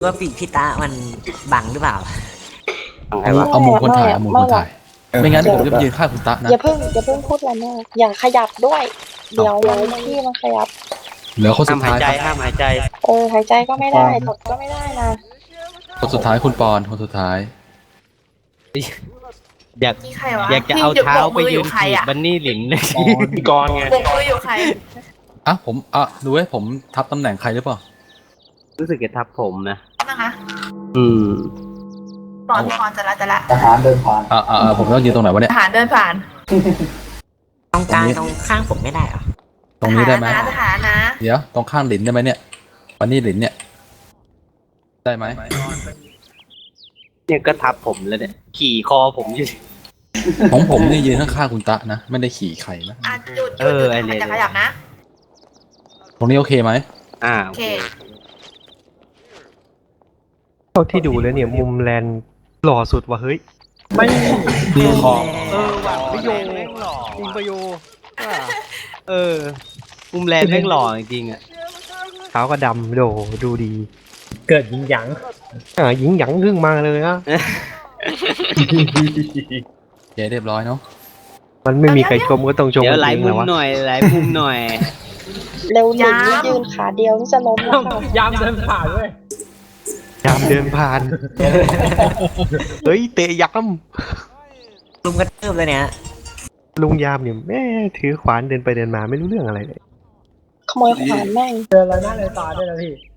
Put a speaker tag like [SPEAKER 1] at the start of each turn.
[SPEAKER 1] ว่าปีกพี่ตามันบังหรือเปล่า
[SPEAKER 2] เอามุมคนถ่ายเอามุมคนถ่ายไม่งั้นผมจะไปยืนข้างคุณตะนะ
[SPEAKER 3] อย่าเพิ่งพูดอะไรมากอย่าขยับด้วย เดี๋ยวที่มันขยับ
[SPEAKER 2] เหลือคนสุ
[SPEAKER 4] ห้าม
[SPEAKER 2] ด
[SPEAKER 4] หาย
[SPEAKER 2] ท้ายครับ
[SPEAKER 4] ใจห้ามหายใจ
[SPEAKER 3] หายใจก็ไม่ได้ตดก็ไม่ได้นะ
[SPEAKER 2] คนสุดท้ายคุณปอนคนสุดท้าย
[SPEAKER 4] อยาก
[SPEAKER 5] นี่ใครวะ
[SPEAKER 4] อยากจะเอาเท้าไปยืน
[SPEAKER 5] ใคร
[SPEAKER 4] ถีบ
[SPEAKER 5] อ่ะ
[SPEAKER 4] บันนี่หลินเลย
[SPEAKER 6] พี่กรณ์ไง
[SPEAKER 5] ปกมืออยู่ใคร
[SPEAKER 2] ผมดูให้ผมทับตำแหน่งใครหรือเปล่า
[SPEAKER 4] รู้สึกจะทับผมนะ
[SPEAKER 5] นะคะ
[SPEAKER 4] อืม
[SPEAKER 5] ตอนพรจะละ
[SPEAKER 7] ทหารเดินผ่าน
[SPEAKER 2] ผมต้องยืนตรงไหนวะเนี่ย
[SPEAKER 5] ทหารเดินผ่าน
[SPEAKER 1] ตรงกลางตรงข้างผมไม่ได้เหรอ
[SPEAKER 2] ตรงนี้ได้ไหม
[SPEAKER 5] ทหารนะ
[SPEAKER 2] เดี๋ยวตรงข้างหลินได้ไหมเนี่ยวันนี้หลินเนี่ยได้ไหม
[SPEAKER 4] เนี่ยก็ทับผมแล้วเนี่ยขี่คอผมอยู่
[SPEAKER 2] ของผมนี่ยืนข้างๆคุณตะนะไม่ได้ขี่ไข่นะ
[SPEAKER 5] หยุด
[SPEAKER 4] ไอ้เนี่ย
[SPEAKER 5] จะขยับนะ
[SPEAKER 2] ตรงนี้โอเคไหม
[SPEAKER 5] โอเค
[SPEAKER 8] เท่าที่ดูแล้วเนี่ยมุมแลนหล่อสุดว่ะเฮ้ย
[SPEAKER 6] ไม่
[SPEAKER 2] คือของ
[SPEAKER 4] ว่ะประโยชน์จริงประโยชน์มุมแลนแม่งหล่อจริงๆอ่ะ
[SPEAKER 8] เท้าก็ดำโดดูดี
[SPEAKER 6] เกิดยิงหยัง
[SPEAKER 8] หญิงหยังขึ้นมาเลยนะ
[SPEAKER 2] เจ๊เรียบร้อยเนาะ
[SPEAKER 8] มันไม่มีใครชมก็ต้องชม
[SPEAKER 4] เดี๋ยว
[SPEAKER 8] กัน
[SPEAKER 4] หลาย
[SPEAKER 8] เอง
[SPEAKER 4] มุ
[SPEAKER 8] แหละ
[SPEAKER 4] ม
[SPEAKER 8] วะ
[SPEAKER 4] หน่อยหลายมุมหน่อย
[SPEAKER 3] เร็วหลินนี่ยืนขาเดียวนี่จะล้มแล้วค่ะ
[SPEAKER 6] ยามเดินผ่านเว้ย
[SPEAKER 8] ยามเดินผ่าน เฮ้ยเตะย้
[SPEAKER 1] ลุมกระเทิบเลยเนี่ย
[SPEAKER 8] ำลุงยามเนี่ยแม่ถือขวานเดินไปเดินมาไม่รู้เรื่องอะไรเลย
[SPEAKER 3] ขโมยขวานแม่ง
[SPEAKER 6] เจออะไรหน้าเลยตาด้วยนะพี่